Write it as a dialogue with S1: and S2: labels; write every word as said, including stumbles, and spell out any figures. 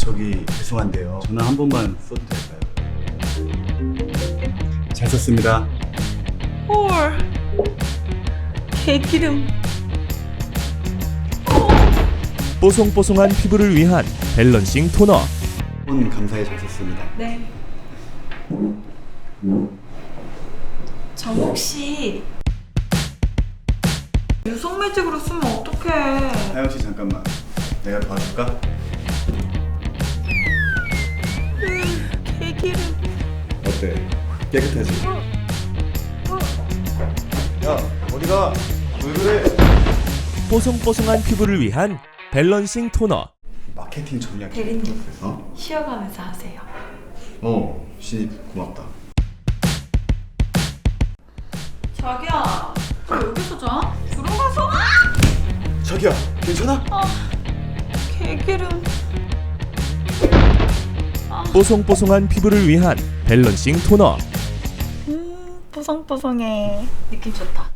S1: 저기 죄송한데요. 전화 한 번만 써도 될까요? 잘 썼습니다.
S2: 헐, 개기름.
S3: 뽀송뽀송한 피부를 위한 밸런싱 토너.
S1: 폰 감사히 잘 썼습니다.
S2: 네. 저 혹시 유성 매직으로 쓰면 어떡해?
S1: 하영 씨 잠깐만. 내가 도와줄까?
S2: 음, 개기름.
S1: 어때? 깨끗하지? 야 어디가? 왜 그래?
S3: 뽀송뽀송한 피부를 위한 밸런싱 토너.
S1: 마케팅 전략.
S2: 대리님.
S1: 어?
S2: 쉬어가면서 하세요.
S1: 어 신입 고맙다.
S2: 자기야, 왜 여기서 자? 들어가서.
S1: 자기야 괜찮아?
S2: 아, 개기름.
S3: 뽀송뽀송한 피부를 위한 밸런싱 토너.
S2: 음, 뽀송뽀송해. 느낌 좋다.